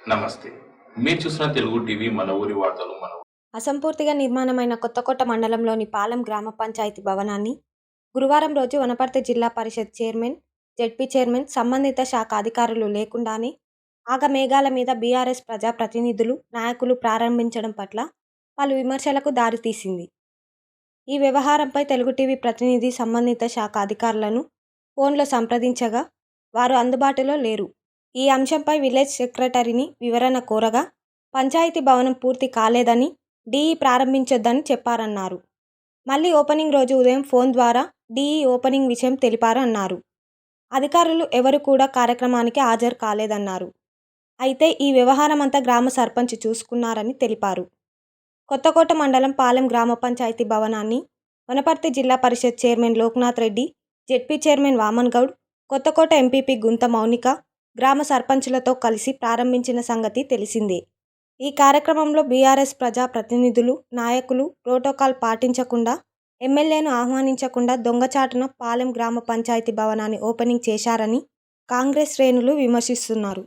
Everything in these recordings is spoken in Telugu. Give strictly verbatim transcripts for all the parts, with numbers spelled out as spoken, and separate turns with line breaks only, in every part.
నమస్తే. మీరు చూస్తున్న తెలుగు టీవీ మన ఊరి వార్తలు మన ఊ-
అసంపూర్తిగా నిర్మాణమైన కొత్తకోట మండలంలోని పాలెం గ్రామ పంచాయతీ భవనాన్ని గురువారం రోజు వనపర్తి జిల్లా పరిషత్ చైర్మన్, జెడ్పీ చైర్మన్, సంబంధిత శాఖ అధికారులు లేకుండానే ఆగమేఘాల మీద బీఆర్ఎస్ ప్రజాప్రతినిధులు, నాయకులు ప్రారంభించడం పట్ల పలు విమర్శలకు దారితీసింది. ఈ వ్యవహారంపై తెలుగు టీవీ ప్రతినిధి సంబంధిత శాఖ అధికారులను ఫోన్లో సంప్రదించగా వారు అందుబాటులో లేరు. ఈ అంశంపై విలేజ్ సెక్రటరీని వివరణ కోరగా పంచాయతీ భవనం పూర్తి కాలేదని, డీఈ ప్రారంభించొద్దని చెప్పారన్నారు. మళ్లీ ఓపెనింగ్ రోజు ఉదయం ఫోన్ ద్వారా డీఈ ఓపెనింగ్ విషయం తెలిపారు అన్నారు. అధికారులు ఎవరు కూడా కార్యక్రమానికి హాజరు కాలేదన్నారు. అయితే ఈ వ్యవహారమంతా గ్రామ సర్పంచ్ చూసుకున్నారని తెలిపారు. కొత్తకోట మండలం పాలెం గ్రామ పంచాయతీ భవనాన్ని వనపర్తి జిల్లా పరిషత్ chairman Lokanath Reddy, ZP chairman Vaman Goud, Kothakota MPP Guntha Mounika గ్రామ సర్పంచులతో కలిసి ప్రారంభించిన సంగతి తెలిసిందే. ఈ కార్యక్రమంలో బీఆర్ఎస్ ప్రజా ప్రతినిధులు, నాయకులు ప్రోటోకాల్ పాటించకుండా, ఎమ్మెల్యేను ఆహ్వానించకుండా దొంగచాటున పాలెం గ్రామ పంచాయతీ భవనాన్ని ఓపెనింగ్ చేశారని కాంగ్రెస్ శ్రేణులు విమర్శిస్తున్నారు.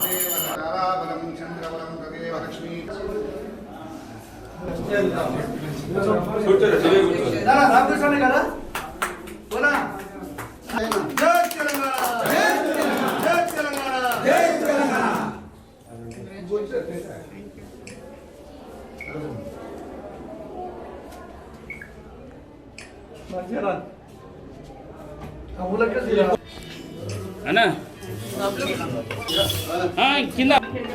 అన్నా కింద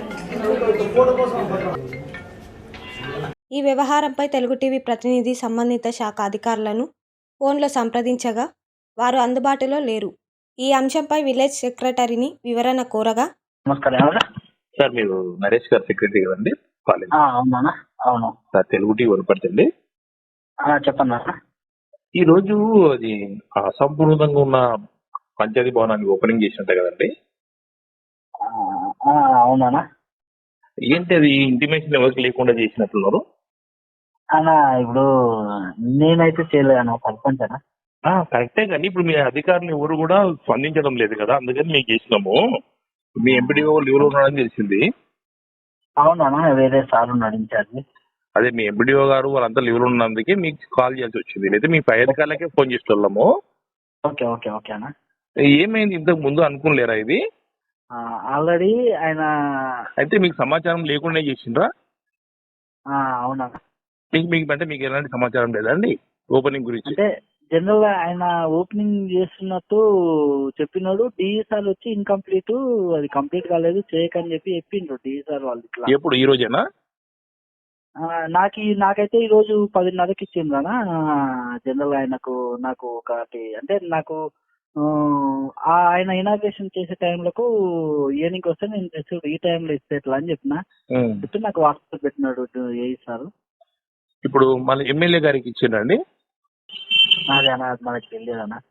ఈ వ్యవహారంపై తెలుగు టీవీ ప్రతినిధి సంబంధిత శాఖ అధికారులను ఫోన్లో సంప్రదించగా వారు అందుబాటులో లేరు. ఈ అంశంపై విలేజ్ సెక్రటరీని వివరణ కోరగా
నమస్కారం ఎవరు?
సార్ మీరు నరేష్ గారు సెక్రటరీ కదండి కాలేజ్?
ఆ, అవునా? అవును
సార్ తెలుగు టీవీ వనపడుతుంది.
ఆ, చెప్పండి అన్న.
ఈ రోజు అది అసంపూర్ణంగా ఉన్న పంచాయతీ భవనాన్ని ఓపెనింగ్ చేసినట్టే కదండి?
ఆ, ఆ, అవునా?
ఏంటి అది ఇంటిమేషన్ ఎవరికి లేకుండా చేసినట్టున్నారు?
అన్న ఇప్పుడు నేనైతే చేయలేదు అన్న, సర్పంచ్ అన్న.
ఆ, కరెక్టే కానీ ఇప్పుడు మీ అధికారులు ఎవరు కూడా స్పందించడం లేదు కదా, అందుకని మీకు చేసినాము. మీ ఎంపీడీఓ వాళ్ళు ఎవరు ఉన్నారని తెలిసింది.
అవునా? వేరే సార్ ఉన్నాడు ఇన్ఛార్జ్.
అదే మీ ఎంపీడీఓ గారు వాళ్ళంతా లీవ్లో ఉన్నందుకే మీకు కాల్ చేయాల్సి వచ్చింది, లేదా మీ పై అధికారులకే ఫోన్ చేస్తున్నాము.
ఓకే ఓకే ఓకే అన్న.
ఏమైంది ఇంతకు ముందు అనుకోలేరా ఇది?
ఆల్రెడీ ఆయన
అయితే మీకు సమాచారం లేకుండా చేసిండ్రా?
ఆ, అవునా?
మీకు మీకు అంటే మీకు ఎలాంటి సమాచారం లేదండి ఓపెనింగ్ గురించి?
అంటే జనరల్ గా ఆయన ఓపెనింగ్ చేస్తున్నట్టు చెప్పినాడు. డిఈ సార్ వచ్చి ఇన్కంప్లీట్, అది కంప్లీట్ కాలేదు చేయకని చెప్పి చెప్పిండ్రు డిఈ సార్ వాళ్ళు. ఇట్లా
ఎప్పుడు ఈ రోజేనా?
ఆ, నాకు ఈ- నాకైతే ఈ రోజు పదిన్నరకి ఇచ్చింది కదా జనరల్ ఆయనకు. నాకు ఒకటి అంటే నాకు ఆ, ఆయన ఇనాగ్రేషన్ చేసే టైంలకు ఈవినింగ్ వస్తే నేను తెచ్చు ఈ టైంలో ఇస్తే ఎట్లా అని చెప్పిన
ఉమ్.
చెప్తే నాకు వాట్సాప్ పెట్టినాడు ఏ సార్.
ఇప్పుడు మళ్ళీ ఎమ్మెల్యే గారికి ఇచ్చిండండి?
అదే అన్న, అది మనకి తెలియదు అన్న.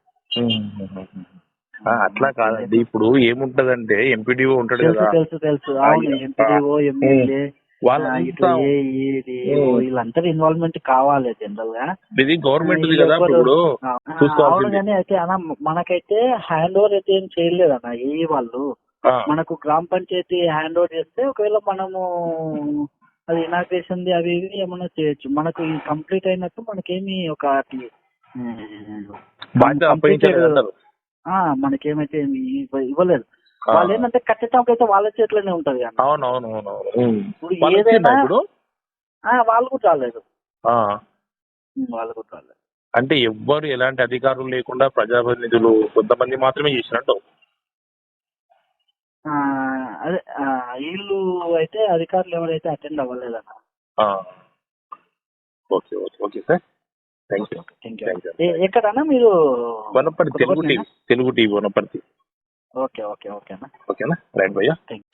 ఆ, అట్లా కాదండి. ఇప్పుడు ఏముంటదంటే ఎంపీడీఓ ఉంటాడు
తెలుసు
కదా,
తెలుసు తెలుసు అవును. ఎంపీడీఓ, ఎమ్మెల్యే, ఇట్లా
వాళ్ళంతా
ఏ డిఓ వీళ్ళందరూ ఇన్వాల్వ్మెంట్ కావాలి జనరల్ గా.
ఇది గవర్నమెంట్
వీళ్ళు
కదా
ఎవ్వరు-
ఇప్పుడు
ఆ, అవును
చూసుకోవాల్సింది.
కానీ అయితే అన్న మనకైతే హ్యాండ్ ఓవర్ అయితే ఏం చేయలేదు అన్న ఏ వాళ్ళు.
ఆ,
మనకు గ్రామ పంచాయతీ హ్యాండ్ ఓవర్ చేస్తే ఒకవేళ మనము అది ఇనాగ్రేషన్ అవి ఇవి ఏమన్నా చేయొచ్చు. మనకు ఈ కంప్లీట్ అయినట్టు మనకేమి ఒక
బాధ్యత అప్పగించలేదు అంటారు.
మనకేమైతే ఏమి ఇవ్వ- ఇవ్వలేదు.
ఆ.
వాళ్ళు ఏంటంటే కట్టేటప్పుడు అయితే వాళ్ళ చేతిలోనే ఉంటది అన్న.
అవును అవును అవును అవును. ఉమ్.
ఇప్పుడు
వాళ్ళు
ఏదైనా
వచ్చిండ్రా ఇప్పుడు?
ఆ, వాళ్ళు కూడా రాలేదు.
ఆ.
ఉమ్, వాళ్ళు కూడా రాలేదు.
అంటే ఎవ్వరు ఎలాంటి అధికారులు లేకుండా ప్రజాప్రతినిధులు కొంతమంది మాత్రమే చేసినట్టు?
ఆ, అదే ఆ, వీళ్ళు అయితే అధికారులు ఎవరైతే అటెండ్ అవ్వలేదన్న.
ఆ. Okay okay okay sir, thank you
thank you.
Thank you.
ఏ- ఎక్కడన్నా మీరు?
Wanaparthy Telugu TV, Telugu TV Wanaparthy.
Okay okay okay అన్న.
ఓకేనా, రైట్ భయ్యా.